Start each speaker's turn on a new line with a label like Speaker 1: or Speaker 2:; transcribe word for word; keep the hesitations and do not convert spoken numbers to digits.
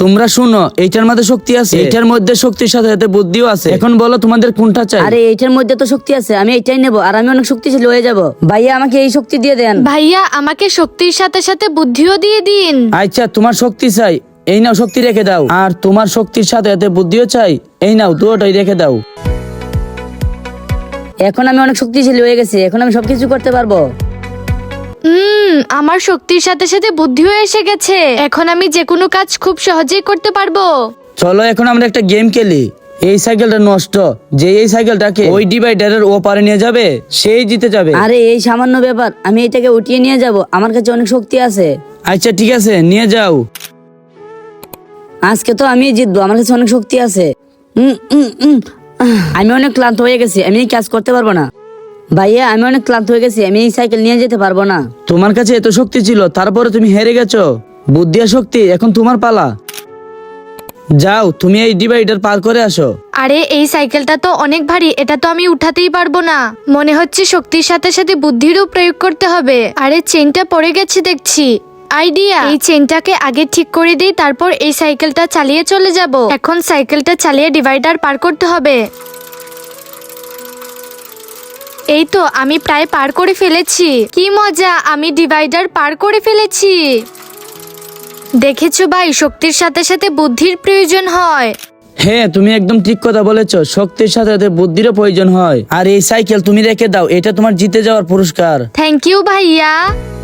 Speaker 1: তোমরা শুনো, এইটার মধ্যে শক্তি আছে, এইটার মধ্যে শক্তির সাথে সাথে বুদ্ধিও আছে। এখন বলো তোমাদের কোনটা চাই?
Speaker 2: আরে এইটার মধ্যে তো শক্তি আছে, আমি এইটাই নেবো আর আমি অনেক শক্তিশালী হয়ে যাব। ভাইয়া আমাকে এই শক্তি দিয়ে দেন।
Speaker 3: ভাইয়া আমাকে শক্তির সাথে সাথে বুদ্ধিও দিয়ে দিন।
Speaker 1: আচ্ছা, তোমার শক্তি চাই, এই নাও শক্তি রেখে দাও। আর তোমার শক্তির সাথে সাথে বুদ্ধিও চাই, এই নাও দুটোই রেখে দাও।
Speaker 2: এখন আমি অনেক শক্তিশালী হয়ে গেছি, এখন আমি সবকিছু করতে পারবো।
Speaker 3: হুম আমার শক্তির সাথে সাথে বুদ্ধিও এসে গেছে, এখন আমি যে কোনো কাজ খুব সহজেই করতে পারবো।
Speaker 1: চলো এখন আমরা একটা গেম খেলি। এই সাইকেলটা নষ্ট, যে এই সাইকেলটাকে ওই ডিভাইডারের ও পারে নিয়ে যাবে সেই জিতে যাবে।
Speaker 2: আরে এই সামান্য ব্যাপার, আমি এটাকে উঠিয়ে নিয়ে যাব, আমার কাছে অনেক শক্তি আছে।
Speaker 1: আচ্ছা ঠিক আছে, নিয়ে যাও।
Speaker 2: আজকে তো আমি জিতবো, আমার কাছে অনেক শক্তি আছে। উম, উম, উম, আহ, আমি অনেক ক্লান্ত হয়ে গেছি, আমি এই কাজ করতে পারবো না। ভাইয়া আমি অনেক ক্লান্ত হয়ে গেছি, আমি এই সাইকেল নিয়ে যেতে পারবো না।
Speaker 1: তোমার কাছে এত শক্তি ছিল, তারপরে তুমি হেরে গেছো। বুদ্ধি আর শক্তি, এখন তোমার পালা। যাও, তুমি এই ডিভাইডার পার করে আসো।
Speaker 3: আরে এই সাইকেলটা তো অনেক ভারী, এটা তো আমি উঠাতেই পারবো না। মনে হচ্ছে শক্তির সাথে সাথে বুদ্ধিরও প্রয়োগ করতে হবে। আরে চেনটা পড়ে গেছে দেখছি। আইডিয়া, এই চেনটাকে আগে ঠিক করে দিই, তারপর এই সাইকেলটা চালিয়ে চলে যাব। এখন সাইকেলটা চালিয়ে ডিভাইডার পার করতে হবে। এই তো আমি প্রায় পার করে ফেলেছি। কি মজা, আমি ডিভাইডার পার করে ফেলেছি। দেখেছো ভাই, শক্তির সাথে সাথে বুদ্ধির প্রয়োজন হয়।
Speaker 1: হ্যাঁ, তুমি একদম ঠিক কথা বলেছো, শক্তির সাথে সাথে বুদ্ধিরও প্রয়োজন হয়। আর এই সাইকেল তুমি রেখে দাও, এটা তোমার জিতে যাওয়ার পুরস্কার।
Speaker 3: থ্যাংক ইউ ভাইয়া।